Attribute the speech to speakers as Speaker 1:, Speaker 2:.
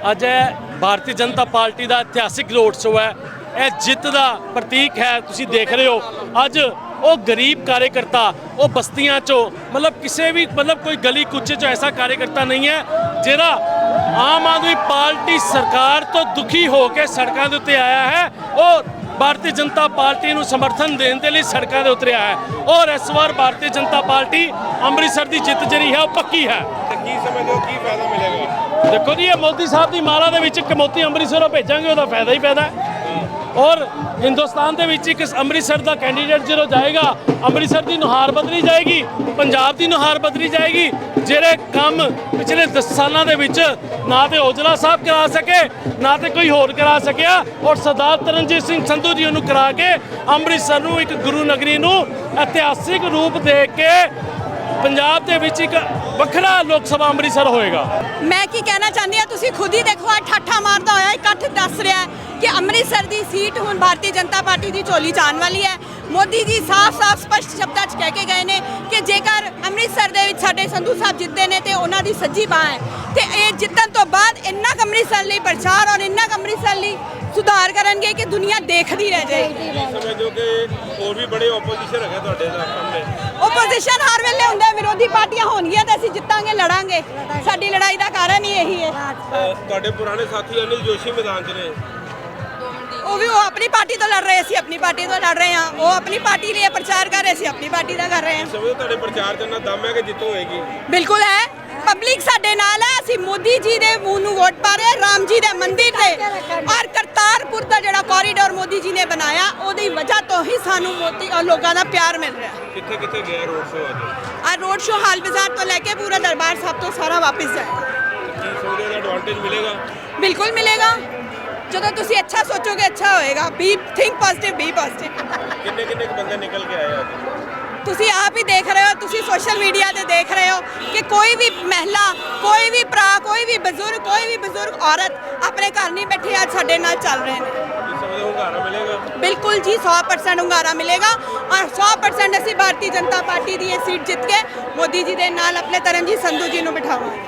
Speaker 1: ਅੱਜ ਭਾਰਤੀ ਜਨਤਾ ਪਾਰਟੀ ਦਾ ਇਤਿਹਾਸਿਕ road show ਹੈ। ਇਹ ਜਿੱਤ ਦਾ ਪ੍ਰਤੀਕ ਹੈ। ਤੁਸੀਂ ਦੇਖ ਰਹੇ ਹੋ ਅੱਜ ਉਹ ਗਰੀਬ ਕਾਰਜਕਰਤਾ ਉਹ ਬਸਤੀਆਂ ਚੋਂ ਕਿਸੇ ਵੀ ਕੋਈ ਗਲੀ ਕੁੱਚੇ ਚੋਂ ਐਸਾ ਕਾਰਜਕਰਤਾ ਨਹੀਂ ਹੈ ਜਿਹੜਾ ਆਮ ਆਦਮੀ ਪਾਰਟੀ ਸਰਕਾਰ ਤੋਂ ਦੁਖੀ ਹੋ ਕੇ ਸੜਕਾਂ ਦੇ ਉੱਤੇ ਆਇਆ ਹੈ। ਉਹ ਭਾਰਤੀ ਜਨਤਾ ਪਾਰਟੀ ਨੂੰ ਸਮਰਥਨ ਦੇਣ ਦੇ ਲਈ ਸੜਕਾਂ ਦੇ ਉਤਰਿਆ ਹੈ ਔਰ ਇਸ ਵਾਰ ਭਾਰਤੀ ਜਨਤਾ ਪਾਰਟੀ ਅੰਮ੍ਰਿਤਸਰ ਦੀ ਜਿੱਤ ਜਿਹੜੀ ਹੈ ਉਹ ਪੱਕੀ ਹੈ।
Speaker 2: ਕੀ ਸਮਝਦੇ ਹੋ, ਕੀ ਫਾਇਦਾ ਮਿਲੇਗਾ?
Speaker 1: ਦੇਖੋ ਜੀ, ਇਹ ਮੋਦੀ ਸਾਹਿਬ ਦੀ ਮਾਲਾ ਦੇ ਵਿੱਚ ਇੱਕ ਮੋਤੀ ਅੰਮ੍ਰਿਤਸਰੋਂ ਭੇਜਾਂਗੇ, ਉਹਦਾ ਫਾਇਦਾ ਹੀ ਫਾਇਦਾ ਹੈ। ਔਰ ਹਿੰਦੁਸਤਾਨ ਦੇ ਵਿੱਚ ਇੱਕ ਅੰਮ੍ਰਿਤਸਰ ਦਾ ਕੈਂਡੀਡੇਟ ਜਦੋਂ ਜਾਏਗਾ, ਅੰਮ੍ਰਿਤਸਰ ਦੀ ਨੁਹਾਰ ਬਦਲੀ ਜਾਏਗੀ, ਪੰਜਾਬ ਦੀ ਨੁਹਾਰ ਬਦਲੀ ਜਾਏਗੀ। ਜਿਹੜੇ ਕੰਮ ਪਿਛਲੇ 10 ਸਾਲਾਂ ਦੇ ਵਿੱਚ ਨਾ ਤੇ ਔਜਲਾ ਸਾਹਿਬ ਕਰਾ ਸਕੇ, ਨਾ ਤੇ ਕੋਈ ਹੋਰ ਕਰਾ ਸਕਿਆ, ਔਰ ਸਰਦਾਰ ਤਰਨਜੀਤ ਸਿੰਘ ਸੰਧੂ ਜੀ ਨੂੰ ਕਰਾ ਕੇ ਅੰਮ੍ਰਿਤਸਰ ਨੂੰ ਇੱਕ ਗੁਰੂ ਨਗਰੀ ਨੂੰ ਇਤਿਹਾਸਿਕ ਰੂਪ ਦੇ ਕੇ ਪੰਜਾਬ ਦੇ ਵਿੱਚ ਇੱਕ ਵੱਖਰਾ ਲੋਕ ਸਭਾ ਅੰਮ੍ਰਿਤਸਰ ਹੋਏਗਾ।
Speaker 3: ਮੈਂ ਕੀ ਕਹਿਣਾ ਚਾਹੁੰਦੀ ਹਾਂ, ਤੁਸੀਂ ਖੁਦ ਹੀ ਦੇਖੋ ਆ ਠਾਠਾ ਮਾਰਦਾ ਹੋਇਆ ਇਕੱਠ ਦੱਸ ਰਿਹਾ ਹੈ ਕਿ ਅੰਮ੍ਰਿਤਸਰ ਦੀ ਸੀਟ ਹੁਣ ਭਾਰਤੀ ਜਨਤਾ ਪਾਰਟੀ ਦੀ ਝੋਲੀ 'ਚ ਆਉਣ ਵਾਲੀ ਹੈ। ਮੋਦੀ ਜੀ ਸਾਫ਼-ਸਾਫ਼ ਸਪਸ਼ਟ ਸ਼ਬਦਾਂ 'ਚ ਕਹਿ ਕੇ ਗਏ ਨੇ ਕਿ ਜੇਕਰ ਅੰਮ੍ਰਿਤਸਰ ਦੇ ਵਿੱਚ ਸਾਡੇ ਸੰਧੂ ਸਾਹਿਬ ਜਿੱਤਦੇ ਨੇ ਤੇ ਉਹਨਾਂ ਦੀ ਸੱਜੀ ਬਾਂਹ ਹੈ ਤੇ ਇਹ ਜਿੱਤਣ ਤੋਂ ਬਾਅਦ ਇੰਨਾ ਕੁ ਅੰਮ੍ਰਿਤਸਰ ਲਈ ਪ੍ਰਚਾਰ ਔਰ ਇੰਨਾ ਕੁ ਅੰਮ੍ਰਿਤਸਰ ਲਈ ਸੁਧਾਰ ਕਰਨਗੇ ਕਿ ਦੁਨੀਆ ਦੇਖਦੀ ਰਹਿ ਜਾਏਗੀ।
Speaker 2: ਸਮਝੋ ਕਿ ਹੋਰ ਵੀ ਬੜੇ ਆਪੋਜੀਸ਼ਨ ਹੈਗੇ ਤੁਹਾਡੇ ਸਾਹਮਣੇ।
Speaker 3: ਆਪੋਜੀਸ਼ਨ ਹਰ ਵੇਲੇ ਹੁੰਦਾ, ਵਿਰੋਧੀ ਪਾਰਟੀਆਂ ਹੋਣਗੀਆਂ ਤਾਂ ਅਸੀਂ ਜਿੱਤਾਂਗੇ, ਲੜਾਂਗੇ। ਸਾਡੀ ਲੜਾਈ ਦਾ ਕਾਰਨ ਹੀ ਇਹੀ ਹੈ।
Speaker 2: ਤੁਹਾਡੇ ਪੁਰਾਣੇ ਸਾਥੀ ਅਨਿਲ ਜੋਸ਼ੀ ਮੈਦਾਨ 'ਚ ਨੇ,
Speaker 3: ਉਹ ਆਪਣੀ ਪਾਰਟੀ ਤੋਂ ਲੜ ਰਹੇ, ਅਸੀਂ ਆਪਣੀ ਪਾਰਟੀ ਤੋਂ ਲੜ ਰਹੇ ਹਾਂ। ਉਹ ਆਪਣੀ ਪਾਰਟੀ ਲਈ ਪ੍ਰਚਾਰ ਕਰ ਰਹੇ, ਅਸੀਂ ਆਪਣੀ ਪਾਰਟੀ ਦਾ ਕਰ ਰਹੇ ਹਾਂ।
Speaker 2: ਸਮਝੋ ਤੁਹਾਡੇ ਪ੍ਰਚਾਰ 'ਚ ਇੰਨਾ ਦਮ ਹੈ ਕਿ ਜਿੱਤ ਹੋਏਗੀ।
Speaker 3: ਬਿਲਕੁਲ ਹੈ, ਪਬਲਿਕ ਸਾਡੇ ਨਾਲ ਹੈ। ਅਸੀਂ ਮੋਦੀ ਜੀ ਦੇ ਮੂੰਹ ਨੂੰ ਵੋਟ ਪਾ ਰਹੇ, ਰਾਮ ਜੀ ਦੇ ਮੰਦਿਰ ਤੇ ਔਰ ਕਰਤਾਰਪੁਰ ਦਾ ਜਿਹੜਾ ਕੋਰੀਡੋਰ ਮੋਦੀ ਜੀ ਨੇ ਬਣਾਇਆ, ਉਹਦੀ ਵਜ੍ਹਾ ਤੋਂ ਹੀ ਸਾਨੂੰ ਮੋਦੀ ਔਰ ਲੋਕਾਂ ਦਾ ਪਿਆਰ ਮਿਲ ਰਿਹਾ।
Speaker 2: ਕਿੱਥੇ ਕਿੱਥੇ ਗਿਆ ਰੋਡ ਸ਼ੋਅ ਅੱਜ?
Speaker 3: ਆ ਰੋਡ ਸ਼ੋਅ ਹਾਲ ਬਾਜ਼ਾਰ ਤੋਂ ਲੈ ਕੇ ਪੂਰਾ ਦਰਬਾਰ ਸਾਹਿਬ ਤੋਂ ਸਾਰਾ ਵਾਪਸ ਜਾਏਗਾ।
Speaker 2: ਕੀ ਸਮਝਦੇ ਹੋ ਐਡਵਾਂਟੇਜ ਮਿਲੇਗਾ?
Speaker 3: ਬਿਲਕੁਲ ਮਿਲੇਗਾ। ਜਦੋਂ ਤੁਸੀਂ ਅੱਛਾ ਸੋਚੋਗੇ ਅੱਛਾ ਹੋਏਗਾ। Be think positive, be positive.
Speaker 2: ਕਿੰਨੇ ਬੰਦੇ ਨਿਕਲ ਕੇ ਆਏ ਅੱਜ?
Speaker 3: ਤੁਸੀਂ ਆਪ ਹੀ ਦੇਖ ਰਹੇ ਹੋ, ਤੁਸੀਂ ਸੋਸ਼ਲ ਮੀਡੀਆ ਤੇ ਦੇਖ ਰਹੇ ਹੋ ਕਿ ਕੋਈ ਵੀ ਮਹਿਲਾ, ਕੋਈ ਵੀ ਭਰਾ, ਕੋਈ ਵੀ ਬਜ਼ੁਰਗ ਔਰਤ ਆਪਣੇ ਘਰ ਨਹੀਂ ਬੈਠੀ, ਅੱਜ ਸਾਡੇ ਨਾਲ ਚੱਲ ਰਹੇ ਨੇ।
Speaker 2: ਕੀ ਸਮਝਦੇ ਹੋ ਹੁੰਗਾਰਾ ਮਿਲੇਗਾ?
Speaker 3: ਬਿਲਕੁਲ ਜੀ, 100% ਹੁੰਗਾਰਾ ਮਿਲੇਗਾ ਔਰ 100% ਅਸੀਂ ਭਾਰਤੀ ਜਨਤਾ ਪਾਰਟੀ ਦੀ ਇਹ ਸੀਟ ਜਿੱਤ ਕੇ ਮੋਦੀ ਜੀ ਦੇ ਨਾਲ ਆਪਣੇ ਤਰਨਜੀਤ ਸੰਧੂ ਜੀ ਨੂੰ ਬਿਠਾਵਾਂਗੇ।